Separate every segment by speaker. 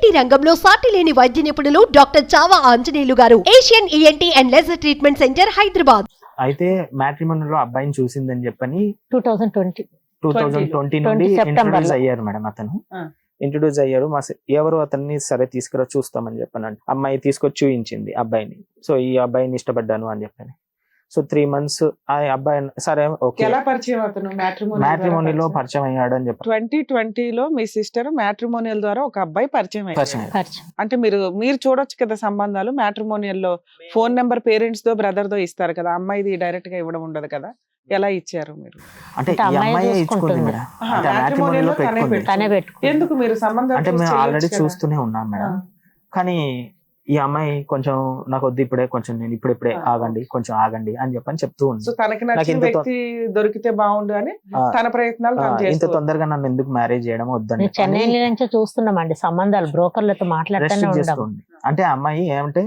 Speaker 1: ENT రంగంలో సాటి లేని వైద్య నిపుణులు doctor Chava Anjaneyulu garu, Asian ENT and laser treatment centre, Hyderabad.
Speaker 2: అయితే మ్యాట్రిమోనీలో అబ్బాయిని చూసిందని చెప్పని
Speaker 3: 2020
Speaker 2: నుండి
Speaker 3: సెప్టెంబర్
Speaker 2: ఇంట్రొడ్యూస్ అయ్యారు మేడం. అతను ఇంట్రొడ్యూస్ అయ్యారు. ఎవరు అతన్ని సరే తీసుకురా చూస్తామని చెప్పాను. అమ్మాయి తీసుకొచ్చి చూయించింది అబ్బాయిని. సో ఈ అబ్బాయిని ఇష్టపడ్డాను అని చెప్పాను. సో 3 months ఆ అబ్బాయి సరే ఓకే.
Speaker 4: ఎలా పరిచయం అతను?
Speaker 2: మ్యాట్రిమోనీలో పరిచయం అయ్యాడు అని చెప్పారు.
Speaker 4: 2020లో మీ సిస్టర్ మ్యాట్రిమోనియల్ ద్వారా ఒక అబ్బాయి పరిచయం అయ్యారు. అంటే మీరు చూడొచ్చు కదా సంబంధాలు. మ్యాట్రిమోనియల్ లో ఫోన్ నెంబర్ పేరెంట్స్ దో బ్రదర్ దో ఇస్తారు కదా, అమ్మాయిది డైరెక్ట్ గా ఇవ్వడం ఉండదు కదా. ఎలా ఇచ్చారు మీరు?
Speaker 2: అంటే ఈ అమ్మాయి ఇచ్చుకుంది మేడం. అంటే మ్యాట్రిమోనీలో పెట్టుకుంది.
Speaker 4: ఎందుకు మీరు సంబంధం
Speaker 2: అంటే మేము ఆల్రెడీ చూస్తూనే ఉన్నాం మేడం. కానీ ఈ అమ్మాయి కొంచెం నాకు వద్దు ఇప్పుడే, కొంచెం నేను ఇప్పుడే ఆగండి, కొంచెం ఆగండి అని చెప్పని చెప్తూ ఉంది.
Speaker 4: సో తనకి నచ్చిన వ్యక్తి దొరికితే బాగుండు అని తన ప్రయత్నాలు
Speaker 2: ఇంత తొందరగా నన్ను ఎందుకు మ్యారేజ్ చేయడం వద్దండి.
Speaker 3: చెన్నై నుంచి చూస్తున్నామండి సంబంధాలు, బ్రోకర్లతో మాట్లాడుతూనే.
Speaker 2: అంటే అమ్మాయి ఏమంటే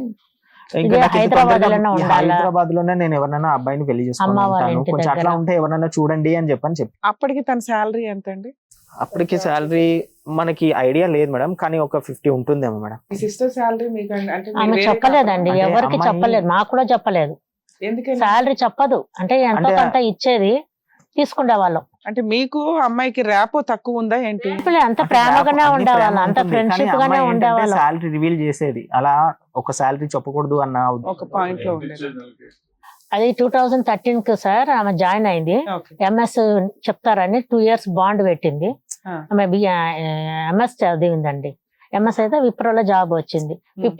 Speaker 3: హైదరాబాద్
Speaker 2: లోనే నేను ఎవరినైనా అబ్బాయిని పెళ్లి చేసుకుంటాను, కొంచెం అట్లా ఉంటే ఎవరైనా చూడండి అని చెప్పి.
Speaker 4: అప్పటికి తన శాలరీ ఎంత అండి?
Speaker 2: అప్పటికి శాలరీ మనకి ఐడియా లేదు మేడం, కానీ ఒక 50 ఉంటుందేమో మేడం.
Speaker 4: మీ సిస్టర్ శాలరీ మీకు అంటే
Speaker 3: ఆమె చెప్పలేదండి, ఎవరికి చెప్పలేదు, మాకు కూడా చెప్పలేదు. శాలరీ చెప్పదు. అంటే ఎంతో కొంత ఇచ్చేది తీసుకునే వాళ్ళం.
Speaker 4: అంటే మీకు అమ్మాయికి ర్యాపో తక్కువ ఉందా ఏంటి?
Speaker 3: అంత ప్రేమగానే ఉండేవాళ్ళం, అంత ఫ్రెండ్షిప్ గానే ఉండేవాళ్ళం.
Speaker 2: శాలరీ రివీల్ చేసేది అలా ఒక శాలరీ చెప్పకూడదు అన్న ఒక పాయింట్ లో ఉండేది.
Speaker 3: అది 2013 సార్ ఆమె జాయిన్ అయింది. ఎంఎస్ చెప్తారని 2 years బాండ్ పెట్టింది. ఆమె ఎంఎస్ చదివిందండి. ఎంఎస్ అయితే విప్రోలో జాబ్ వచ్చింది.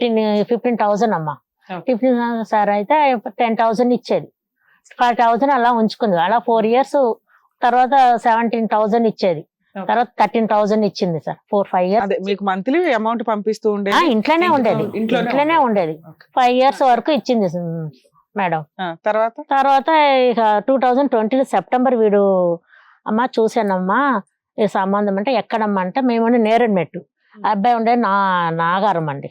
Speaker 3: 15,000 అమ్మా. 15,000 సార్ అయితే 10,000 ఇచ్చేది. 5,000 అలా ఉంచుకుంది. అలా 4 years తర్వాత 17,000 ఇచ్చేది. తర్వాత 13,000 ఇచ్చింది సార్. 4-5 years
Speaker 4: మీకు మంత్లీ అమౌంట్ పంపిస్తూ ఉండేది.
Speaker 3: ఇంట్లోనే ఉండేది. 5 years వరకు ఇచ్చింది మేడం. తర్వాత ఇక 2020 సెప్టెంబర్ వీడు అమ్మా చూసానమ్మా ఈ సంబంధం అంటే ఎక్కడమ్మా అంటే మేము నేరేడ్మెట్టు, అబ్బాయి ఉండే నాగారం అండి,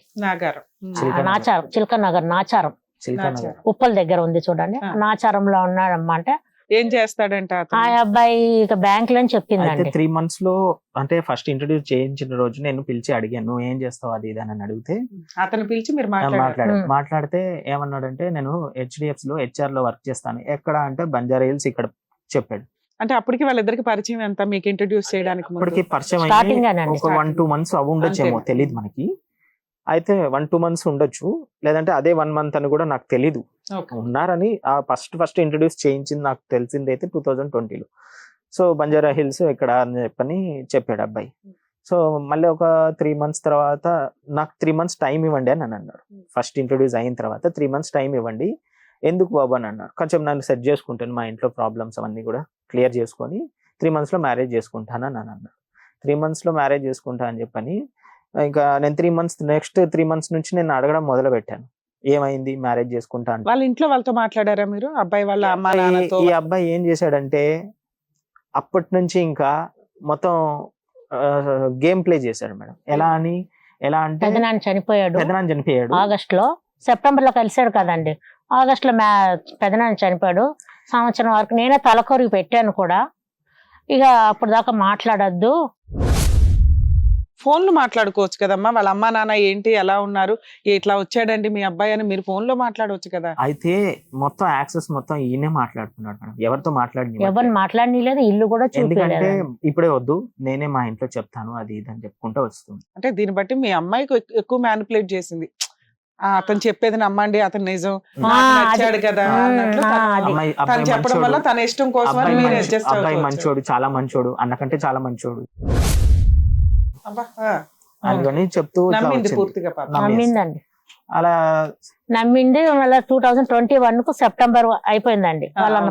Speaker 3: నాచారం, చిలక నగర్ నాచారం, ఉప్పల్ దగ్గర ఉంది చూడండి, నాచారంలో ఉన్నాడమ్మా. అంటే
Speaker 4: ఏం చేస్తాడంటే
Speaker 3: ఆ అబ్బాయి ఇక బ్యాంక్ లో చెప్పిందండి.
Speaker 2: 3 months లో అంటే ఫస్ట్ ఇంట్రొడ్యూస్ చేయించిన రోజు నేను పిలిచి అడిగాను, నువ్వు ఏం చేస్తావు అది ఇది అని అడిగితే
Speaker 4: అతను పిలిచి మీరు
Speaker 2: మాట్లాడితే ఏమన్నాడంటే నేను HDFC లో HR లో వర్క్ చేస్తాను. ఎక్కడ అంటే బంజారా హిల్స్ ఇక్కడ చెప్పాడు.
Speaker 4: అంటే అప్పటికి వాళ్ళిద్దరికి పరిచయం ఎంత మీకు ఇంట్రొడ్యూస్ చేయడానికి?
Speaker 2: అప్పటికి పరిచయం ఒక 1-2 months అవి ఉండొచ్చేమో తెలియదు మనకి. అయితే 1-2 months ఉండొచ్చు, లేదంటే అదే 1 month అని కూడా నాకు తెలీదు. ఉన్నారని ఆ ఫస్ట్ ఇంట్రొడ్యూస్ చేయించింది నాకు తెలిసింది అయితే 2020లో. సో బంజారా హిల్స్ ఇక్కడ అని చెప్పని చెప్పాడు అబ్బాయి. సో మళ్ళీ ఒక 3 months తర్వాత నాకు 3 months టైం ఇవ్వండి అని అన్నాడు. ఫస్ట్ ఇంట్రొడ్యూస్ అయిన తర్వాత 3 months టైం ఇవ్వండి. ఎందుకు బాబు అని అన్నాడు. కొంచెం నన్ను సెట్ చేసుకుంటాను, మా ఇంట్లో ప్రాబ్లమ్స్ అవన్నీ కూడా క్లియర్ చేసుకొని 3 months లో మ్యారేజ్ చేసుకుంటాను అని అన్నాడు. 3 months లో మ్యారేజ్ చేసుకుంటా అని చెప్పని ఇంకా నేను 3 months నెక్స్ట్ 3 months నుంచి నేను అడగడం మొదలు పెట్టాను, ఏమైంది మ్యారేజ్ చేసుకుంటా అంటే.
Speaker 4: వాళ్ళ ఇంట్లో వాళ్ళతో మాట్లాడారా మీరు? అబ్బాయి వాళ్ళ అమ్మా నాన్నతో?
Speaker 2: ఈ అబ్బాయి ఏం చేశాడంటే అప్పటి నుంచి ఇంకా మొత్తం గేమ్ ప్లే చేశాడు మేడం. ఎలా అంటే
Speaker 3: పెదనాన్న చనిపోయాడు ఆగస్ట్ లో, సెప్టెంబర్ లో కలిసాడు కదండి. ఆగస్ట్ లో పెదనాన్న చనిపోయాడు. సంవత్సరం వరకు నేనే తలకొరికి పెట్టాను కూడా. ఇక అప్పుడు దాకా మాట్లాడద్దు,
Speaker 4: ఫోన్లు మాట్లాడుకోవచ్చు కదమ్మా. వాళ్ళ అమ్మా నాన్న ఏంటి ఎలా ఉన్నారు, ఇట్లా వచ్చాడండి మీ అబ్బాయి అని మీరు ఫోన్ లో మాట్లాడవచ్చు కదా.
Speaker 2: అయితే మొత్తం యాక్సెస్ మొత్తం ఈయనే మాట్లాడుతున్నాడు మేడం, ఎవరితో
Speaker 3: ఎవరు మాట్లాడలేదు, ఇల్లు కూడా
Speaker 2: ఎందుకంటే ఇప్పుడే వద్దు నేనే మా ఇంట్లో చెప్తాను అది ఇది అని చెప్పుకుంటూ వస్తుంది.
Speaker 4: అంటే దీన్ని బట్టి మీ అమ్మాయికి ఎక్కువ మ్యానిపులేట్ చేసింది. అతను చెప్పేది నమ్మండి, అతను నిజం నచ్చాడు కదా తను చెప్పడం వల్ల తన ఇష్టం కోసం
Speaker 2: అబ్బాయి మంచోడు, చాలా మంచోడు, అన్నకంటే చాలా మంచోడు అందుకని చెప్తూ
Speaker 3: నమ్మిందండి.
Speaker 2: అలా
Speaker 3: నమ్మింది. మళ్ళీ 2021 కు సెప్టెంబర్ అయిపోయిందండి.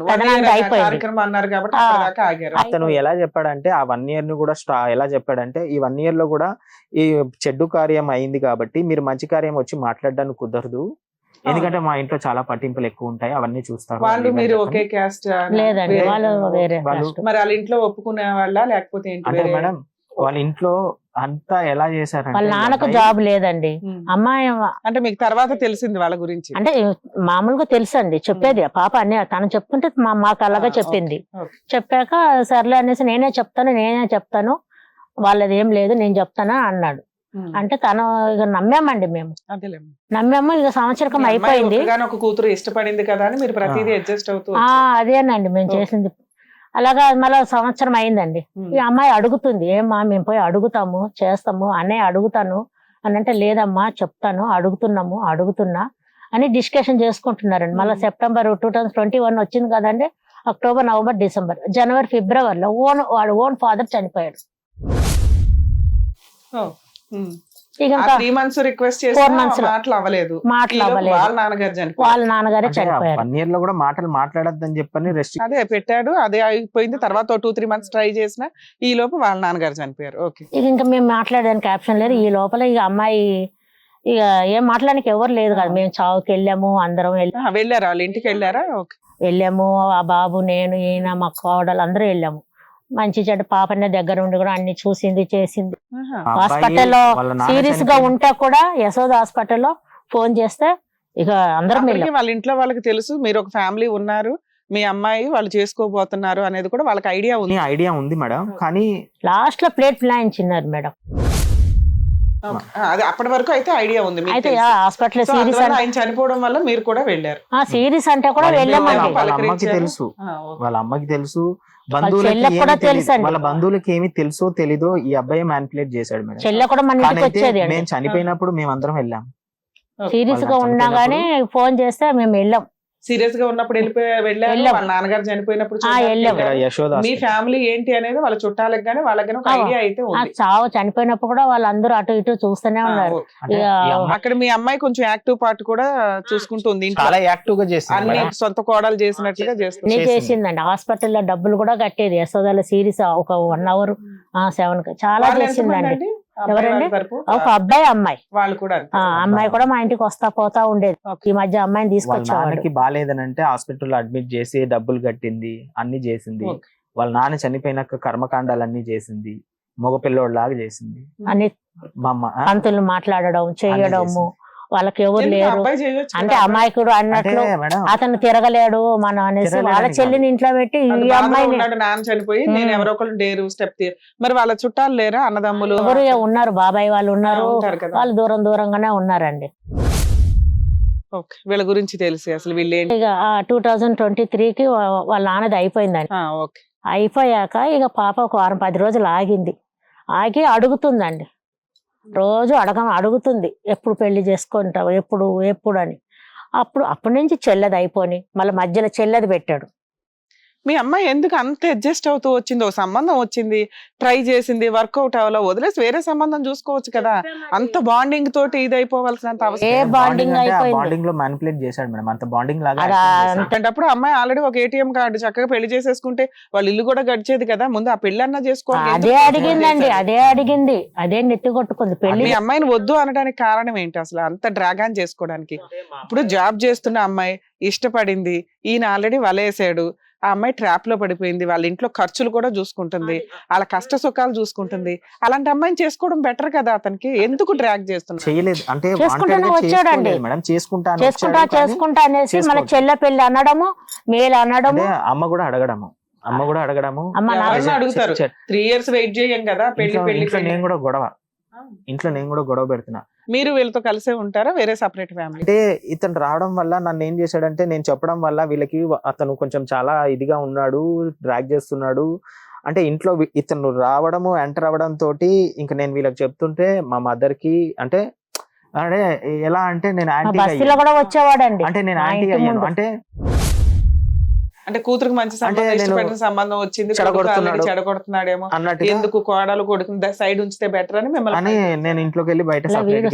Speaker 2: అతను ఎలా చెప్పాడంటే ఆ 1 year ను కూడా ఎలా చెప్పాడంటే ఈ 1 year లో కూడా ఈ చెడ్డు కార్యం అయింది కాబట్టి మీరు మంచి కార్యం వచ్చి మాట్లాడడానికి కుదరదు, ఎందుకంటే మా ఇంట్లో చాలా పట్టింపులు ఎక్కువ ఉంటాయి, అవన్నీ చూస్తారు.
Speaker 4: వాళ్ళు మీరు ఒకే క్యాస్ట్?
Speaker 3: లేదండి, వాళ్ళు వేరే.
Speaker 4: మరి వాళ్ళ ఇంట్లో ఒప్పుకునే వాళ్ళ లేకపోతే
Speaker 2: అంటే మేడం వాళ్ళ ఇంట్లో అంతా ఎలా చేశారంటే
Speaker 3: వాళ్ళ నాన్నకు జాబ్ లేదండి. అమ్మాయి
Speaker 4: అంటే మీకు తర్వాత తెలిసింది వాళ్ళ గురించి?
Speaker 3: అంటే మామూలుగా తెలుసండి, చెప్పేది పాప అన్ని తను చెప్తుంటే మాకు అలాగా చెప్పింది. చెప్పాక సర్లే అనేసి నేనే చెప్తాను వాళ్ళది ఏం లేదు నేను చెప్తాను అన్నాడు. అంటే తను ఇక నమ్మామండి మేము,
Speaker 4: అదేలేమ్మా.
Speaker 3: నమ్మాము. ఇక సంవత్సరకం అయిపోయింది.
Speaker 4: ఒక కూతురు ఇష్టపడింది కదా అని మీరు ప్రతిదీ అడ్జస్ట్ అవుతూ
Speaker 3: అదేనండి మేము చేసింది. అలాగా మళ్ళీ సంవత్సరం అయిందండి. ఈ అమ్మాయి అడుగుతుంది, ఏమ్మా మేము పోయి అడుగుతాము చేస్తాము, అన్నయ్య అడుగుతాను అని అంటే, లేదమ్మా చెప్తాను, అడుగుతున్నా అని డిస్కషన్ చేసుకుంటున్నారండి. మళ్ళీ సెప్టెంబర్ 2021 వచ్చింది కదండి, అక్టోబర్, నవంబర్, డిసెంబర్, జనవరి, ఫిబ్రవరిలో వాడు ఓన్ ఫాదర్ చనిపోయాడు. ఇక
Speaker 4: 3 months రిక్వెస్ట్
Speaker 3: 4 months
Speaker 4: మాటలు అవ్వలేదు. వాళ్ళ నాన్నగారు
Speaker 3: వాళ్ళ నాన్నగారే చనిపోయారు.
Speaker 2: 1 year లో కూడా మాటలు మాట్లాడద్దని చెప్పని
Speaker 4: అదే పెట్టాడు, అదే అయిపోయింది. తర్వాత 2-3 months ట్రై చేసిన ఈ లోపు వాళ్ళ నాన్నగారు చనిపోయారు. ఓకే,
Speaker 3: ఇంకా మేము మాట్లాడడానికి ఆప్షన్ లేదు. ఈ లోపల ఇక అమ్మాయి ఇక ఏం మాట్లాడడానికి ఎవరు లేదు కదా. మేము చావుకి వెళ్ళాము, అందరం
Speaker 4: వెళ్ళారా, వాళ్ళ ఇంటికి వెళ్ళారా? ఓకే,
Speaker 3: వెళ్ళాము. ఆ బాబు, నేను, ఈయన, మా కోడలు అందరూ వెళ్ళాము. మంచి చెడ్డ పాపనే దగ్గర ఉండి కూడా అన్ని చూసింది చేసింది. హాస్పిటల్లో సీరియస్ గా ఉంటే కూడా యశోద హాస్పిటల్లో ఫోన్ చేస్తే ఇక అందరం వెళ్ళాం.
Speaker 4: వాళ్ళ ఇంట్లో వాళ్ళకి తెలుసు మీరు ఒక ఫ్యామిలీ ఉన్నారు, మీ అమ్మాయి వాళ్ళు చేసుకోబోతున్నారు అనేది కూడా వాళ్ళకి ఐడియా ఉంది
Speaker 2: మేడం. కానీ
Speaker 3: లాస్ట్ లో ప్లేట్ ప్లాయించినారు మేడం.
Speaker 4: అదే అప్పటి వరకు అయితే ఐడియా ఉంది.
Speaker 3: అయితే హాస్పిటల్ సీరియస్
Speaker 4: ఆయన చనిపోవడం వల్ల మీరు కూడా వెళ్ళారు.
Speaker 3: సీరియస్ అంటే కూడా వెళ్ళామండి.
Speaker 2: వాళ్ళ అమ్మకి తెలుసు, వాళ్ళ బంధువులకి ఏమి తెలుసో తెలీదో ఈ అబ్బాయి మ్యానిపులేట్ చేశాడు మేడం.
Speaker 3: చెల్లె కూడా మన ఇంటికి వచ్చేది.
Speaker 2: మేము చనిపోయినప్పుడు మేమందరం వెళ్ళాం.
Speaker 3: సీరియస్ గా ఉన్నా గానీ ఫోన్ చేస్తే మేము వెళ్ళాం.
Speaker 4: సీరియస్ గా ఉన్నప్పుడు వెళ్ళారు. వాళ్ళ నాన్నగారు చనిపోయినప్పుడు మీ ఫ్యామిలీ ఏంటి అనేది వాళ్ళ చుట్టాలకు గానీ వాళ్ళకి ఒక ఐడియా అయితే ఉంది.
Speaker 3: చావు చనిపోయినప్పుడు కూడా వాళ్ళందరూ అటు ఇటు చూస్తూనే ఉన్నారు.
Speaker 4: అక్కడ మీ అమ్మాయి కొంచెం యాక్టివ్ పార్ట్ కూడా చూసుకుంటుంది.
Speaker 2: చాలా యాక్టివ్ గా చేస్తుంది,
Speaker 4: అన్ని సొంత కోడలు చేసినట్టుగా
Speaker 3: చేసిందండి. హాస్పిటల్లో డబ్బులు కూడా కట్టేది. యశోదల సీరియస్ ఒక 1 hour 7 చాలా చేసిందండి. ఎవరండి? ఒక అబ్బాయి, అమ్మాయి.
Speaker 4: వాళ్ళు కూడా
Speaker 3: అమ్మాయి కూడా మా ఇంటికి వస్తా పోతా ఉండేది. ఈ మధ్య అమ్మాయిని తీసుకొచ్చి
Speaker 2: బాగాలేదనంటే హాస్పిటల్ అడ్మిట్ చేసి డబ్బులు కట్టింది, అన్ని చేసింది. వాళ్ళ నాన్న చనిపోయినాక కర్మకాండాలన్నీ చేసింది, మగపిల్లోడిలాగా చేసింది.
Speaker 3: అన్ని పంతులు మాట్లాడడం చేయడము, వాళ్ళకి ఎవరు లేరు అంటే అమాయకుడు అన్నట్లు అతను తిరగలేడు మనం అనేసి వాళ్ళ చెల్లిని ఇంట్లో పెట్టి ఈ అమ్మాయిని
Speaker 4: నాన్న చనిపోయి నేను ఎవరో ఒకరు డేరు స్టెప్. మరి వాళ్ళ చుట్టాలు లేరా, అన్నదమ్ములు
Speaker 3: ఎవరు ఉన్నారు, బాబాయ్ వాళ్ళు ఉన్నారు, వాళ్ళు దూరంగానే ఉన్నారండి.
Speaker 4: వీళ్ళ గురించి తెలిసి అసలు వీళ్ళు
Speaker 3: ఇక 2023కి వాళ్ళ నాన్నది అయిపోయిందండి. అయిపోయాక ఇక పాప ఒక 10 రోజులు ఆగి అడుగుతుందండి. రోజు అడుగుతుంది, ఎప్పుడు పెళ్లి చేసుకుంటావు, ఎప్పుడు అని. అప్పటి నుంచి చెల్లెది అయిపోయి మళ్ళీ మధ్యలో చెల్లెది పెట్టాడు.
Speaker 4: మీ అమ్మాయి ఎందుకు అంత అడ్జస్ట్ అవుతూ వచ్చింది? ఒక సంబంధం వచ్చింది, ట్రై చేసింది, వర్కౌట్ అవ్వాలో వదిలేసి వేరే సంబంధం చూసుకోవచ్చు కదా. అంత బాండింగ్ తోటి ఇది అయిపోవాల్సినంత అవసరం
Speaker 2: బాండింగ్ లో మ్యానిపులేట్ చేశాడు మేడం. అంత బాండింగ్ లాగా
Speaker 4: అంటప్పుడు అమ్మాయి ఆల్రెడీ ఒక ATM కార్డు చక్కగా పెళ్లి చేసేసుకుంటే వాళ్ళ ఇల్లు కూడా గడిచేది కదా. ముందు ఆ పెళ్లి అన్నా చేసుకోవాలి.
Speaker 3: అదే అడిగింది, అదే నెత్తి కొట్టుకుంది పెళ్లి.
Speaker 4: మీ అమ్మాయిని వద్దు అనడానికి కారణం ఏంటి అసలు అంత డ్రాగాన్ చేసుకోవడానికి? ఇప్పుడు జాబ్ చేస్తున్న అమ్మాయి ఇష్టపడింది, ఈయన ఆల్రెడీ వలేసాడు, ఆ అమ్మాయి ట్రాప్ లో పడిపోయింది, వాళ్ళ ఇంట్లో ఖర్చులు కూడా చూసుకుంటుంది, వాళ్ళ కష్ట సుఖాలు చూసుకుంటుంది. అలాంటి అమ్మాయిని చేసుకోవడం బెటర్ కదా. అతనికి ఎందుకు డ్రాగ్ చేస్తున్నారు?
Speaker 2: చేయలేదు అంటే
Speaker 3: వచ్చాడండి, చేసుకుంటా అనేసి మన చెల్లె పెళ్లి అనడము, మేలు అనడము,
Speaker 2: అమ్మ కూడా అడగడము.
Speaker 4: అడుగుతారు 3 years వెయిట్ చేయం కదా పెళ్లి.
Speaker 2: ఇంట్లో నేను కూడా గొడవ పెడుతున్నా.
Speaker 4: మీరు వీళ్ళతో కలిసే ఉంటారా, వేరే సెపరేట్ ఫ్యామిలీ?
Speaker 2: అంటే ఇతను రావడం వల్ల నన్ను ఏం చేశాడంటే, నేను చెప్పడం వల్ల వీళ్ళకి అతను కొంచెం చాలా ఇదిగా ఉన్నాడు, డ్రాగ్ చేస్తున్నాడు అంటే ఇంట్లో ఇతను రావడము ఎంటర్ అవ్వడం తోటి ఇంకా నేను వీళ్ళకి చెప్తుంటే మా మదర్ కి అంటే ఎలా అంటే నేను
Speaker 3: వచ్చేవాడండి,
Speaker 2: అంటే నేను యాంటీ అయ్యాను.
Speaker 4: అంటే కూతురికి మంచి సంబంధం వచ్చింది, చెడగొడుతున్నాడేమో అన్నట్టు, ఎందుకు కోడలు కొడుకు సైడ్ ఉంచితే బెటర్ అని మిమ్మల్ని
Speaker 2: నేను ఇంట్లోకి వెళ్ళి బయట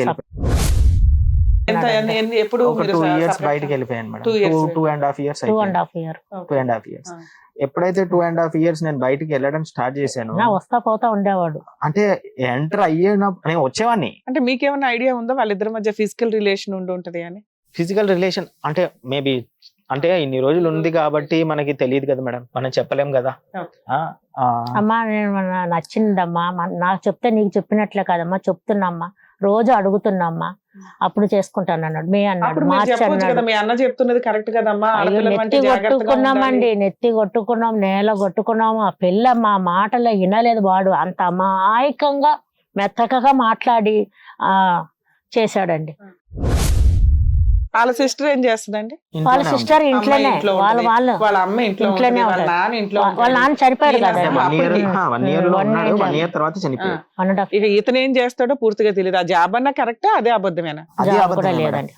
Speaker 4: ఎప్పుడు
Speaker 2: 2 years బయటకి వెళ్ళిపోయాను మేడం. 2.5 years 2.5 years. ఎప్పుడైతే 2.5 years నేను బయటికి వెళ్ళడం స్టార్ట్ చేశాను,
Speaker 3: వస్తా పోతా ఉండేవాడు. అంటే
Speaker 2: ఎంటర్ అయ్యేటప్పుడు నేను వచ్చేవాడిని.
Speaker 4: అంటే మీకేమైనా ఐడియా ఉందా వాళ్ళిద్దరి మధ్య ఫిజికల్ రిలేషన్ ఉంటది అని?
Speaker 2: ఫిజికల్ రిలేషన్ అంటే మేబీ అంటే ఇన్ని రోజులు ఉంది కాబట్టి మనకి తెలియదు కదా మేడం, మనం చెప్పలేం కదా.
Speaker 3: అమ్మా నేను నచ్చిందమ్మా, నాకు చెప్తే నీకు చెప్పినట్లే కదమ్మా, చెప్తున్నామ్మా, రోజు అడుగుతున్నామ్మా, అప్పుడు చేసుకుంటాను అన్నాడు. మే అన్నాడు, మార్చి అన్నాడు. నెత్తి కొట్టుకున్నామండి, నెత్తి కొట్టుకున్నాం, నేల కొట్టుకున్నాము. ఆ పిల్ల మా మాటలో వినలేదు. వాడు అంత అమాయకంగా మెత్తకగా మాట్లాడి చేశాడండి.
Speaker 4: వాళ్ళ సిస్టర్ ఏం చేస్తుందండి?
Speaker 3: వాళ్ళ సిస్టర్ ఇంట్లోనే,
Speaker 4: వాళ్ళ అమ్మ ఇంట్లోనే, వాళ్ళ నాన్న ఇంట్లో,
Speaker 3: వాళ్ళ నాన్న చనిపోయాడు కదా.
Speaker 2: 1 year లో ఉన్నాడు, 1 year తర్వాత చనిపోయాడు.
Speaker 4: ఇక ఇతను ఏం చేస్తాడో పూర్తిగా తెలియదు. ఆ జాబ్ అన్నా కరెక్టా, అదే అబద్ధమేనా?
Speaker 2: అదే
Speaker 3: కూడా
Speaker 2: అబద్ధం
Speaker 3: లేదండి.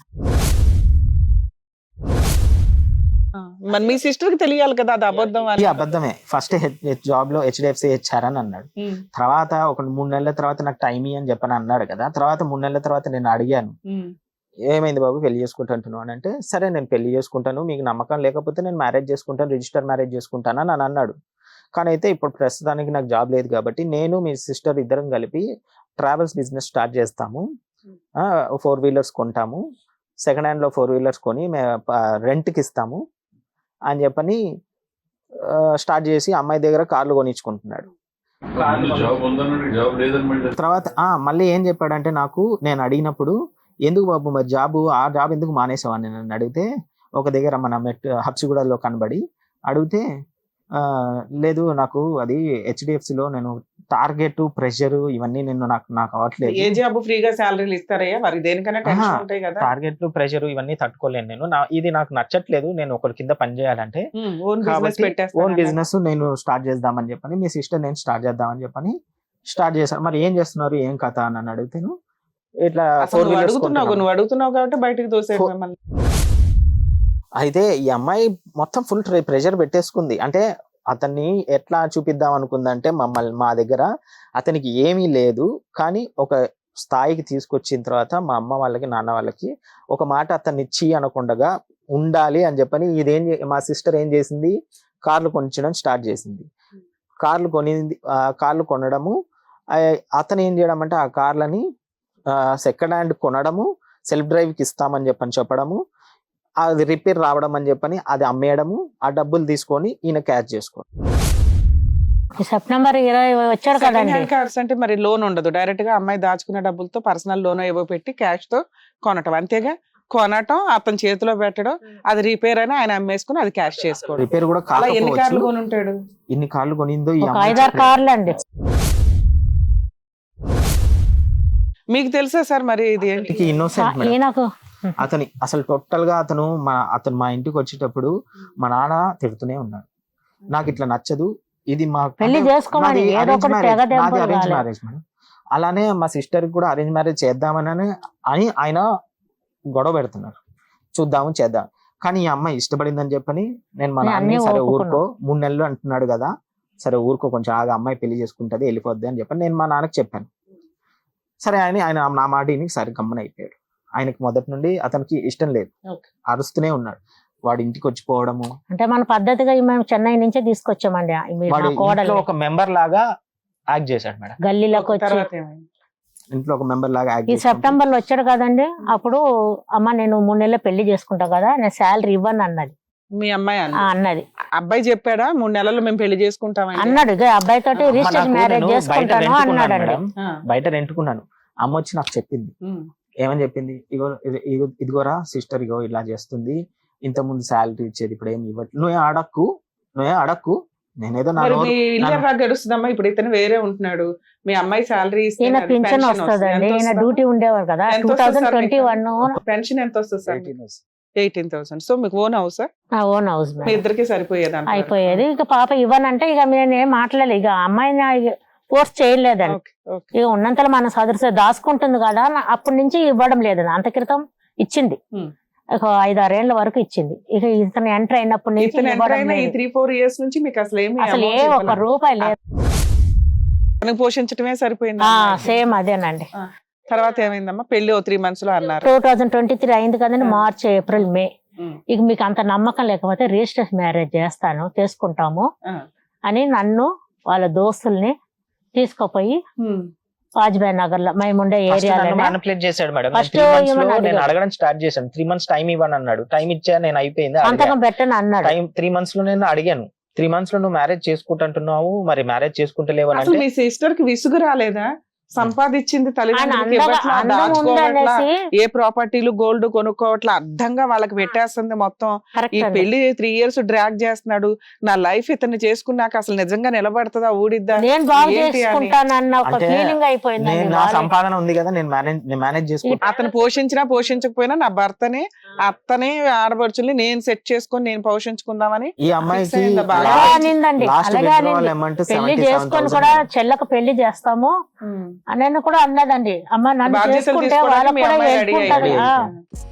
Speaker 4: మరి మీ సిస్టర్ కి తెలియాలి కదా అది అబద్ధం అని.
Speaker 2: అబద్ధమే. ఫస్ట్ జాబ్ లో HDFC HR అని అన్నాడు. తర్వాత ఒక 3 నెలల తర్వాత నాకు టైం అని చెప్పని అన్నాడు కదా. తర్వాత 3 నెలల తర్వాత నేను అడిగాను, ఏమైంది బాబు పెళ్లి చేసుకుంటాను అని అంటే, సరే నేను పెళ్లి చేసుకుంటాను, మీకు నమ్మకం లేకపోతే నేను మ్యారేజ్ చేసుకుంటాను, రిజిస్టర్ మ్యారేజ్ చేసుకుంటాను అని అన్నాడు. కానీ అయితే ఇప్పుడు ప్రస్తుతానికి నాకు జాబ్ లేదు కాబట్టి నేను మీ సిస్టర్ ఇద్దరం కలిపి ట్రావెల్స్ బిజినెస్ స్టార్ట్ చేస్తాము, 4 wheelers కొంటాము, సెకండ్ హ్యాండ్ లో 4 wheelers కొని రెంట్కి ఇస్తాము అని చెప్పని స్టార్ట్ చేసి అమ్మాయి దగ్గర కార్లు కొనిచ్చుకుంటున్నాడు. తర్వాత మళ్ళీ ఏం చెప్పాడంటే, నాకు నేను అడిగినప్పుడు, ఎందుకు బాబు మరి ఆ జాబ్ ఎందుకు మానేసావని నన్ను అడిగితే, ఒక దగ్గర మన హబ్సిగూడలో కనబడి అడిగితే, లేదు నాకు అది HDFC లో నేను టార్గెట్ ప్రెషర్ ఇవన్నీ నాకు అవ్వట్లేదు.
Speaker 4: ఏ జాబ్ ఫ్రీగా సాలరీలు ఇస్తారయ్యా, మరి దేనికన్నా టెన్షన్ ఉంటాయి కదా.
Speaker 2: టార్గెట్లు ప్రెషర్ ఇవన్నీ తట్టుకోలేను నేను, ఇది నాకు నచ్చట్లేదు, నేను ఒకరి కింద పని చేయాలంటే ఓన్ బిజినెస్ నేను స్టార్ట్ చేద్దామని చెప్పని మీ సిస్టర్ నేను స్టార్ట్ చేద్దామని చెప్పని స్టార్ట్ చేశాను. మరి ఏం చేస్తున్నారు, ఏం కథ అని అడిగితేను, ఇట్లా
Speaker 4: నువ్వు అడుగుతున్నావు కాబట్టి బయటకు తోసే.
Speaker 2: అయితే ఈ అమ్మాయి మొత్తం ఫుల్ ప్రెషర్ పెట్టేసుకుంది. అంటే అతన్ని ఎట్లా చూపిద్దాం అనుకుందంటే, మా దగ్గర అతనికి ఏమీ లేదు, కానీ ఒక స్థాయికి తీసుకొచ్చిన తర్వాత మా అమ్మ వాళ్ళకి నాన్న వాళ్ళకి ఒక మాట అతన్ని ఇచ్చి అనకుండా ఉండాలి అని చెప్పని మా సిస్టర్ ఏం చేసింది, కార్లు కొనిచ్చడం స్టార్ట్ చేసింది. కార్లు కొనడము, అతను ఏం చేయడం అంటే ఆ కార్లని సెకండ్ హ్యాండ్ కొనడము, సెల్ఫ్ డ్రైవ్కి ఇస్తామని చెప్పడము, అది రిపేర్ రావడం అని చెప్పని అది అమ్మేయడము, ఆ డబ్బులు తీసుకొని ఈయన క్యాష్ చేసుకోవడం.
Speaker 3: సెప్టెంబర్ 20 వచ్చాడు కదండి.
Speaker 4: కార్డ్స్ అంటే మరి లోన్ ఉండదు, డైరెక్ట్ గా అమ్మాయి దాచుకున్న డబ్బులతో పర్సనల్ లోన్ ఏవో పెట్టి క్యాష్ తో కొనటం, అంతేగా. కొనటం, అతని చేతిలో పెట్టడం, అది రిపేర్ అని ఆయన అమ్మేసుకుని అది క్యాష్ చేసుకోవడం.
Speaker 2: రిపేర్ కూడా
Speaker 4: ఎన్ని కార్లు కొని ఉంటాడు?
Speaker 2: ఇన్ని కార్లు కొనిందో
Speaker 3: 5-6 కార్లు అండి.
Speaker 4: మీకు తెలుసా సార్ మరి ఇది
Speaker 2: ఇన్నోసెంట్ అతని అసలు టోటల్ గా అతను మా ఇంటికి వచ్చేటప్పుడు మా నాన్న తిడుతూనే ఉన్నాడు, నాకు ఇట్లా నచ్చదు, ఇది
Speaker 3: నాది
Speaker 2: అరేంజ్ మ్యారేజ్ మేడం. అలానే మా సిస్టర్ కూడా అరేంజ్ మ్యారేజ్ చేద్దామని ఆయన గొడవ పెడుతున్నారు, చేద్దాం. కానీ ఈ అమ్మాయి ఇష్టపడిందని చెప్పని నేను మా నాన్న సరే ఊరుకో, 3 నెలలు అంటున్నాడు కదా, సరే ఊరుకో కొంచెం ఆగా, అమ్మాయి పెళ్లి చేసుకుంటది వెళ్ళిపోద్ది అని చెప్పని నేను మా నాన్నకి చెప్పాను. సరే ఆయన నా మాటిని సరే గమ్మన అయిపోయాడు. ఆయనకి మొదటి నుండి అతనికి ఇష్టం లేదు, అరుస్తూనే ఉన్నాడు. వాడి ఇంటికి వచ్చిపోవడము,
Speaker 3: అంటే మన పద్ధతిగా మేము చెన్నై నుంచే తీసుకొచ్చామండి.
Speaker 2: ఒక మెంబర్ లాగా యాక్ట్ చేశాడు మేడం.
Speaker 3: గల్లీలోకి వచ్చి
Speaker 2: ఇంట్లో ఒక మెంబర్ లాగా యాక్ట్
Speaker 3: ఈ సెప్టెంబర్ లో వచ్చాడు కదండి. అప్పుడు అమ్మ నేను 3 నెలలు పెళ్లి చేసుకుంటా కదా, నేను శాలరీ ఇవ్వను అన్నది.
Speaker 4: మీ అమ్మాయి
Speaker 3: అన్నది.
Speaker 4: అబ్బాయి చెప్పాడా 3 నెలల్లో మేము పెళ్లి చేసుకుంటాం
Speaker 3: అన్నాడు. అబ్బాయి తోటి రిజిస్టర్ మ్యారేజ్ చేసుకుంటాను అన్నాడు.
Speaker 2: బయట రెంట్కున్నాను. అమ్మ వచ్చి నాకు చెప్పింది, ఏమని చెప్పింది, ఇదిగోరా సిస్టర్, ఇగో ఇలా చేస్తుంది, ఇంత ముందు శాలరీ ఇచ్చేది, ఇప్పుడు ఏమి ఇవ్వట్లేదు, నువ్వే అడక్కు నేనేదో
Speaker 4: గడుస్తుందమ్మా. ఇప్పుడు ఇతను వేరే ఉంటున్నాడు, మీ అమ్మాయి శాలరీ
Speaker 3: పింఛన్ వస్తుందండి. డ్యూటీ ఉండేవారు కదా. 2021
Speaker 4: పెన్షన్ ఎంత వస్తుంది సార్? 18,000. సో మీకు ఓన్ హౌస్?
Speaker 3: Own house.
Speaker 4: మీ ఇద్దరికి సరిపోయేది?
Speaker 3: అయిపోయేది. ఇక పాప ఇవ్వనంటే ఇక నేనేం మాట్లాడలేదు. ఇక అమ్మాయిని ఫోర్స్ చేయలేదండి. ఇక ఉన్నంతలో మన సదృశ దాచుకుంటుంది కదా, అప్పటి నుంచి ఇవ్వడం లేదు. అంత క్రితం ఇచ్చింది, ఒక 5-6 ఏళ్ల వరకు ఇచ్చింది. ఇక ఇతను ఎంటర్ అయినప్పటి నుంచి
Speaker 4: 3-4 years నుంచి మీకు అసలు
Speaker 3: ఏ 1 రూపాయి లేదు.
Speaker 4: పోషించడమే సరిపోయింది.
Speaker 3: సేమ్ అదేనండి.
Speaker 4: తర్వాత ఏమైందమ్మా? పెళ్లి 3 months లో అన్నారు.
Speaker 3: 2023 అయింది కదండి, మార్చ్, ఏప్రిల్, మే. ఇక మీకు అంత నమ్మకం లేకపోతే రిజిస్టర్ మ్యారేజ్ చేసుకుంటాము అని నన్ను వాళ్ళ దోస్తుల్ని తీసుకుపోయి వాజ్పేయి నగర్ లో మేము ఉండే ఏరియాలో
Speaker 2: మ్యానిపులేట్ చేశాడు మేడం. నేను అడగడం స్టార్ట్ చేశాను. 3 months టైం ఇవ్వను అన్నాడు. టైం ఇచ్చా, నేను అయిపోయింది
Speaker 3: సంతకం పెట్టను అన్నాడు.
Speaker 2: 3 months లో నేను అడిగాను, 3 months లో నువ్వు మ్యారేజ్ చేసుకుంటున్నావు, మరి మ్యారేజ్ చేసుకుంటలేవు అంటే
Speaker 4: మీ సిస్టర్ కి విసుగు రాలేదా? సంపాదించింది తల్లిదండ్రులకి
Speaker 3: ఆయన
Speaker 4: ఇవ్వట్లా,
Speaker 3: అందం
Speaker 4: దాచుకోవట్లా,
Speaker 3: ఉందనేసి
Speaker 4: ఏ ప్రాపర్టీలు గోల్డ్ కొనుక్కోవట్లా, అర్థంగా వాళ్ళకి పెట్టేస్తుంది మొత్తం. ఈ
Speaker 3: కరెక్ట్ అండి.
Speaker 4: పెళ్లి 3 years డ్రాగ్ చేస్తున్నాడు, నా లైఫ్ ఇతన్ని చేసుకున్నాక అసలు నిజంగా నిలబడతదా ఊడిద్దా
Speaker 3: నేను బాగు
Speaker 4: ఏంటి అని.
Speaker 3: చేసుకుంటానన్న ఒక
Speaker 2: అంటే
Speaker 3: ఫీలింగ్ అయిపోయిందండి.
Speaker 2: నేను నా సంపాదన ఉంది కదా, నేను మేనేజ్ చేసుకుంటా.
Speaker 4: అతను పోషించినా పోషించకపోయినా నా భర్తని అత్తనే ఆడపడుచుల్ని నేను సెట్ చేసుకొని నేను పోషించుకుందామని
Speaker 2: ఈ అమ్మాయికి
Speaker 4: fix అయిందా బాగా?
Speaker 3: అలాగే అనిందండి,
Speaker 2: లాస్ట్
Speaker 3: అలాగే
Speaker 2: విత్డ్రావల్
Speaker 3: అనింది.
Speaker 2: అమౌంట్
Speaker 3: పెళ్లి చేసుకొని కూడా చెల్లకు పెళ్లి చేస్తాము అని కూడా అన్నదండి. అమ్మ నన్ను
Speaker 4: బాధ్యతలు
Speaker 3: చేసుకుంటే
Speaker 4: తీసుకోవడానికి
Speaker 3: వాళ్ళకు
Speaker 4: మీ
Speaker 3: కూడా
Speaker 4: అమ్మాయి
Speaker 3: help
Speaker 4: రెడీ
Speaker 3: ఉంటది.
Speaker 4: అయ్యింది.